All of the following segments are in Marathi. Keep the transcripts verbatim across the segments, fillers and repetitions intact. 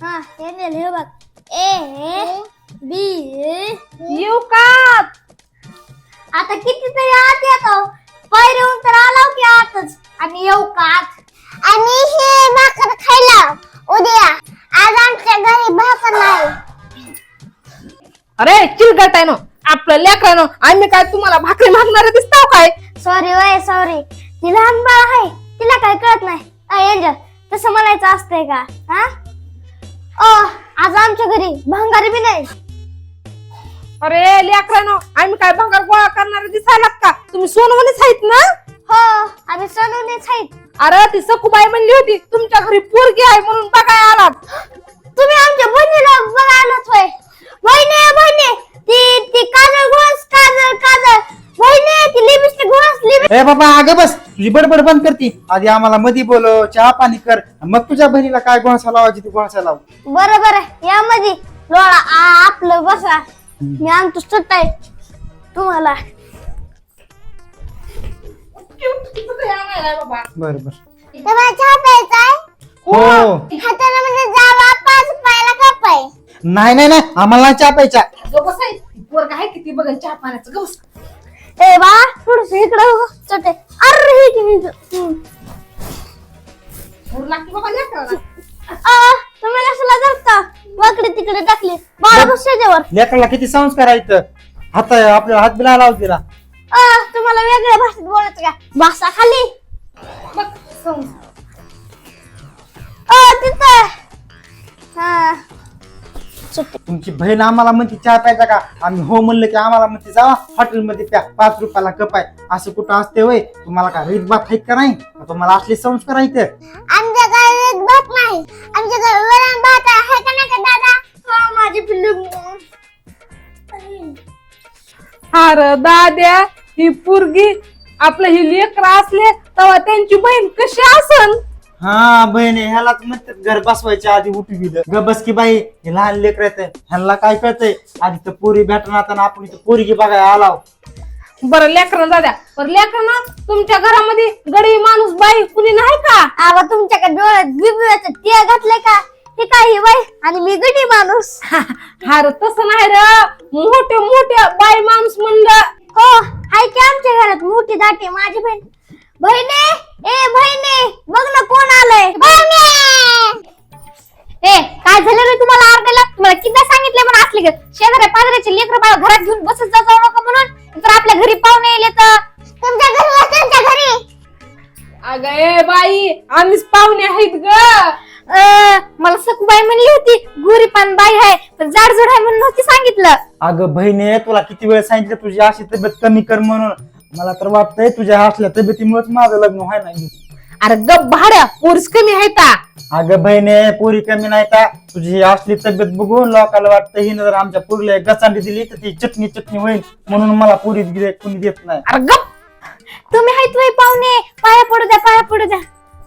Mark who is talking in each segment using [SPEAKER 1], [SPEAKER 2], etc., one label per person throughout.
[SPEAKER 1] हा हे नेल हे बघ ए बी
[SPEAKER 2] येऊ का?
[SPEAKER 1] आता कितीतरी आत येतो पायरीहून तर आलो की आतच आणि येऊ का आत आणि हे भाकर खायला उद्या आज आमच्या घरी भाकर नाही.
[SPEAKER 2] अरे चिलगटायनो आपलं लेकरानो आम्ही काय तुम्हाला भाकरी मागणार दिसताव काय?
[SPEAKER 1] सॉरी वय सॉरी ती लहान बाळ आहे तिला काय कळत नाही. एंजल तसं म्हणायचं असतंय का? हा ओ आज आमच्या घरी भंगार बी नाही.
[SPEAKER 2] अरे लेकरानो आम्ही काय भंगार गोळा करणार दिसायलात का? तुम्ही सोनवणीच आहेत ना?
[SPEAKER 1] हो आम्ही सोनवणीच आहेत.
[SPEAKER 2] अरे ती सखूबाई म्हणली होती तुमच्या घरी पोरगी आहे म्हणून बघाय आलात.
[SPEAKER 1] तुम्ही आमच्या बहिणीला बघायलाच होय. बहिणी बहिणी ती ती काजळ घोस काजळ काजळ बहिणी ती लिपस्टिक घोस लिपस्टिक.
[SPEAKER 3] ए बाबा अगं बस तुझी बडबड बंद करती. आधी आम्हाला मधी बोलव चहा पाणी कर मग तुझ्या बहिणीला काय गोळसा लावायची ती गोळसा लाव.
[SPEAKER 1] बरं बरं या मध्ये लोळा आ- आपलं बसा मी आणतो सुट्ट आहे तुम्हाला.
[SPEAKER 3] बर बर
[SPEAKER 1] तुम्हाला चहा प्यायचा आहे?
[SPEAKER 3] हो
[SPEAKER 1] हाताला म्हणजे जावा पाच रुपयाला कप आहे.
[SPEAKER 3] नाही नाही नाही आम्हाला नाही चहा प्यायचा.
[SPEAKER 2] पोरग आहे किती बघा चहा पाण्याचं गवस.
[SPEAKER 1] ए बा थोडस इकडं चटे अरे हे की मी
[SPEAKER 2] बाबा लेकराला.
[SPEAKER 1] आ तुम्ही कशाला धरता वाकडे तिकडे टाकले बाळा बस त्याच्यावर.
[SPEAKER 3] लेकराला किती संस्कार आहेत. हात आपल्याला हात बिला लाव तिला.
[SPEAKER 1] आ तुम्हाला वेगळ्या भाषेत बोलायचं का? बसा खाली.
[SPEAKER 2] बघ संग.
[SPEAKER 1] आ तिथं हा
[SPEAKER 3] तुमची बहीण आम्हाला म्हणते चहा प्यायचा का? आम्ही हो म्हणलं की आम्हाला म्हणते जावा हॉटेलमध्ये प्या पाच रुपयाला कप आहे. असं कुठं असते वय? तुम्हाला का रीत बात आहेत का नाही? तुम्हाला असले संस्कार आहेत.
[SPEAKER 1] आमच्या घरात भात नाही आमच्या घरात वरण भात आहे का नाही का दादा? हो माझी पिल्लू.
[SPEAKER 2] अरे दाद्या ही पोरगी आपलं ही लेकर असले तेव्हा त्यांची बहीण कशी असन?
[SPEAKER 3] हा बहिणी ह्यालाच म्हणतात घर बसवायच्या आधी उठी दिलं. ग बस की बाई हे लहान लेकर येत ह्याला काय कळतंय? आधी तर पोरी भेटणार आपण इथं पोरगी बघायला आलाव.
[SPEAKER 2] बरं लेकरं दाद्या पर लेकरं तुमच्या घरामध्ये गडी माणूस बाई कुणी नाही का?
[SPEAKER 1] आवा तुमच्याकडे डोळ्यात बिबव्याचं टिया घातलंय का? हे काय बाई आणि मी गडी माणूस.
[SPEAKER 2] हार तसं नाही र मोठे मोठे बाई माणूस म्हणलं.
[SPEAKER 1] हो हाय की आमच्या घरात मोठी दाटी माझी बहीण. बहिणी ए बहिणी बघ ना कोण आलंय. ए काय झालं रे तुम्हाला आरडायला? तुम्हाला किती सांगितलंय म्हणून असले का शेजाऱ्या पाजाऱ्याचे लेकरं बाळ घरात घेऊन बसत जाऊ नका म्हणून. तर आपल्या घरी पाहुणे येले तर तुमच्या घरी तुमच्या घरी.
[SPEAKER 2] अगं ए बाई आम्हीच पाहुणे आहेत ग.
[SPEAKER 1] मला सखूबाई म्हणली होती गोरी पान बाई आहे पण जाडजूड आहे म्हणून नव्हती सांगितलं.
[SPEAKER 3] अगं बहिणी तुला किती वेळ सांगितलं तुझी अशी तब्येत कमी कर म्हणून. मला तर वाटतंय तुझ्या असल्या तब्येतीमुळेच माझं लग्न व्हाय नाही.
[SPEAKER 2] अरे गप भाड्या पोरीस कमी आहे का?
[SPEAKER 3] अगं बहिणी पोरी कमी नाही का? तुझी असली तब्येत बघून लोकांना वाटतं हिनं जर आमच्या पोरीला एक गचांडी दिली तर ती चटणी चटणी होईल म्हणून मला पोरी कोणी देत नाही.
[SPEAKER 2] अरे गप
[SPEAKER 1] तुम्ही आहेत वय पाहुणे पाया पडू द्या पाया पडू द्या.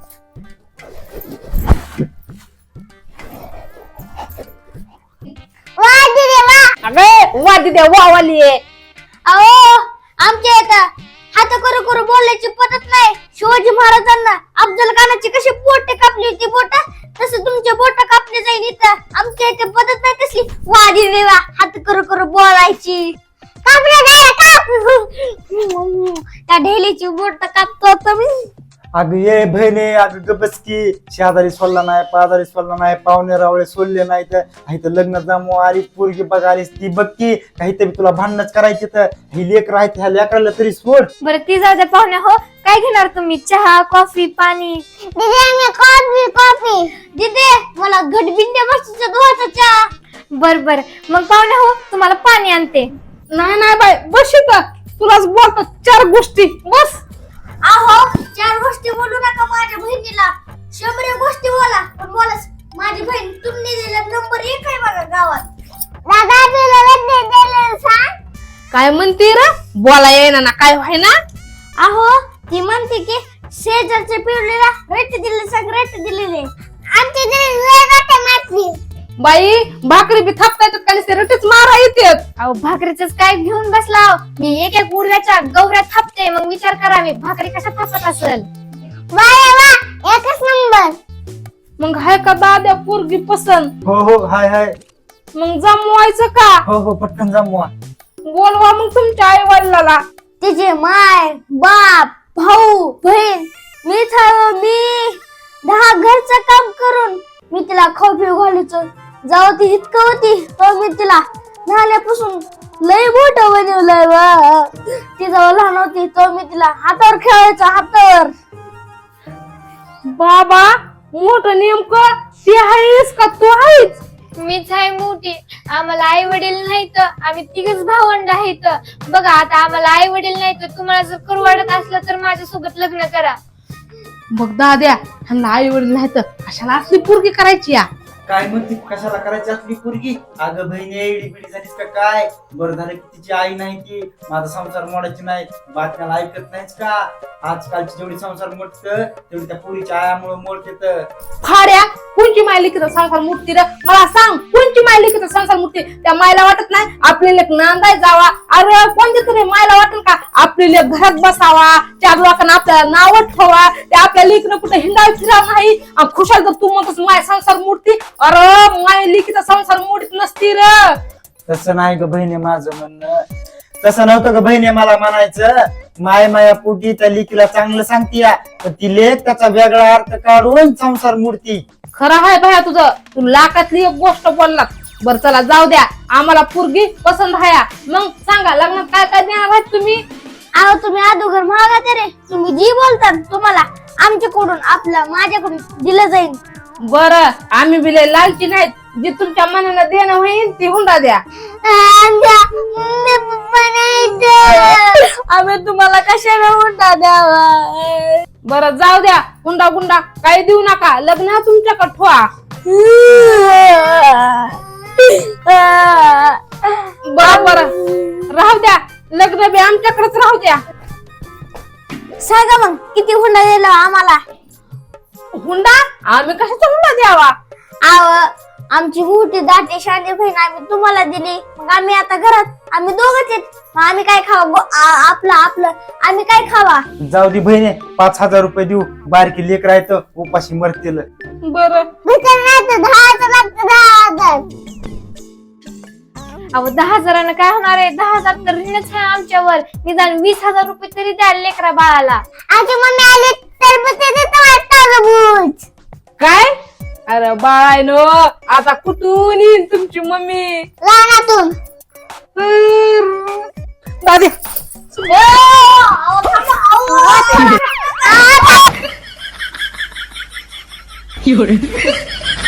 [SPEAKER 1] वा दिदे वा.
[SPEAKER 2] अगं वा दिद्या वा वाली आहे.
[SPEAKER 1] अहो आमच्या इथं हात करू करू बोलायची पद्धत नाही. शिवाजी महाराजांना अफजल खानाची कशी बोट कापली होती बोट तसं तुमचे बोट कापले जाईल इथं. आमच्या इथे पद्धत नाही तसली. वा दिदे वा हात करू करू बोलायची. कापले नाही काप त्या ढेलीची बोट कापतो तुम्ही.
[SPEAKER 3] अगं ये बहिणी अगं गबस की शेजारी सोडला नाही पाजारी सोडला नाही पाहुणे रावळे सोडले नाही तर तर लग्न जमू आलीस पोरगी बघ आलीस ती बघ की काहीतरी तुला भांडणच करायची तर ही लेकर आहेत ह्या लेकराला तरी सोड.
[SPEAKER 1] बरं ती जाऊ द्या पाहुणे. हो काय घेणार तुम्ही? चहा कॉफी पाणी? दिदे कॉफी कॉफी दिदे मला घटबिंड्या बसच्या दुधाचा चहा. बर बर मग पाहुणे हो तुम्हाला पाणी आणते.
[SPEAKER 2] नाही नाही बाई बस इथं तुलाच बोलतो चार गोष्टी बस.
[SPEAKER 1] अहो चार गोष्टी बोलू नका माझ्या बहिणीला. शंभर गोष्टी बोला पण बोला माझी बहीण तुम्ही दिलेला नंबर एक आहे बघा गावात. दादा तुला सांग
[SPEAKER 2] काय म्हणते रे? बोला येईना ना काय व्हाय ना?
[SPEAKER 1] अहो ती म्हणते की शेजारच्या पिवळीला रेट दिले सांग रेट दिलेले आमच्या घरी वेगळा मारली.
[SPEAKER 2] बाई भाकरी बी थापता येतात का नुसते रटीच मारा येतात.
[SPEAKER 1] अहो भाकरीच काय घेऊन बसला? मी एक एक उडव्याच्या गौऱ्या थापते मग विचार करा मी भाकरी कशा थापत असेल. वा वा एकच नंबर.
[SPEAKER 2] मग हाय का दाद्या पोरगी पसंत?
[SPEAKER 3] हो हो हाय हाय.
[SPEAKER 2] मग जमवायचं का?
[SPEAKER 3] हो हो पटकन जमवा.
[SPEAKER 2] बोलवा मग तुमच्या आई वडिलाला.
[SPEAKER 1] तिचे माय बाप भाऊ बहीण मी थांब मी दहा घरचं काम करून मी तिला खाऊ पिऊ घालायचो. जाऊ ती इतकं होती तो मी तिला झाल्यापासून लय मोठं बनवलंय बा. ती जेव्हा लहान होती तो मी तिला हातावर खेळायचो हातावर.
[SPEAKER 2] बाबा मोठं नेमकं ती आहेस का तू आहेस?
[SPEAKER 4] मीच आहे मोठी. आम्हाला आई वडील नाही तर आम्ही तिघच भावंड आहेत. बघा आता आम्हाला आई वडील नाही तर तुम्हाला जर करू वाटत असलं तर माझ्यासोबत लग्न करा.
[SPEAKER 2] बघ दाद्या ह्यांना आई वडील नाही तर कशाला असली पोरगी करायची या?
[SPEAKER 3] काय म्हणते कशाला करायची असली पोरगी? अगं बहिणी एडी बिडी झालीस का काय? बरं झालं की तिची आई नाही ती माझा संसार मोडायची नाही. बातम्याला ऐकत नाहीच का? आजकालची जेवढी संसार मोडत तेवढी त्या पोरीच्या आयामुळे मोडते.
[SPEAKER 2] फाड्या कोणची माय लिखित संसार मूर्ती रे? मला सांग कोणची माय लिखित संसार मूर्ती? त्या मायला वाटत नाही आपली लेख नांदाय जावा? अरे कोणत्या तरी मायला वाटेल का आपली लेख घरात बसावा, चार लोकांना आपल्याला नाव ठेवा, ते आपल्या लेखनं कुठे हिंडाय फिरा नाही? खुशाल तर तू म्हणतोस माय संसार मूर्ती. अरे माय लिखित संसार मूर्तीत नसती रे.
[SPEAKER 3] तसं नाही ग बहिणी माझं म्हणणं. तसं नव्हतं ग बहिणी मला म्हणायचं. माय माया पोटी त्या लेकीला चांगलं सांगतीया पण ती लेख त्याचा वेगळा अर्थ काढून संसार मूर्ती.
[SPEAKER 2] खरं आहे भया तुझं. तू लाखातली एक गोष्ट बोललात. बर चला जाऊ द्या आम्हाला पोरगी पसंत आहे. मग सांगा लग्नात काय काय देणार आहेत तुम्ही?
[SPEAKER 1] अहो तुम्ही अगोदर महागात रे. तुम्ही जी बोलतात तुम्हाला आमच्याकडून आपलं माझ्याकडून दिलं जाईल.
[SPEAKER 2] बर आम्ही बिले लालची नाहीत. जे तुमच्या मनानं देणं होईल ती हुंडा द्या.
[SPEAKER 1] आम्ही तुम्हाला कशाला हुंडा द्यावा?
[SPEAKER 2] बर जाऊ द्या हुंडा गुंडा काही देऊ नका. लग्न तुमच्याकडे ठेवा. बर बर राहू द्या लग्न बी आमच्याकडेच राहू द्या.
[SPEAKER 1] सांगा मग किती हुंडा दिला आम्हाला?
[SPEAKER 2] हुंडा आम्ही कशाचा हुंडा द्यावा?
[SPEAKER 1] आव आमची मोठी दाटी शांती बहीण आम्ही तुम्हाला दिली. मग आम्ही आता घरात आम्ही दोघच आहेत. मग आम्ही काय खावा? गो- आ- आपलं आपलं आम्ही काय खावा?
[SPEAKER 3] जाऊ दे बहिणी पाच हजार रुपये देऊ. बारकी लेकर आहे तर उपाशी मरतील.
[SPEAKER 2] बर
[SPEAKER 1] नाही तर दहा हजार लागतं. दहा हजार
[SPEAKER 4] अहो दहा हजारानं काय होणार आहे? दहा हजार तर ऋणच आहे आमच्यावर. निदान वीस हजार रुपये तरी द्या लेकरा बाळाला.
[SPEAKER 1] आमची मम्मी आली तर मग ते देतो टरबूज.
[SPEAKER 2] काय? अरे बाळायनो आता कुठून येईल तुमची मम्मी?
[SPEAKER 1] लहानातून.
[SPEAKER 2] दादी
[SPEAKER 1] आ, आ, आ.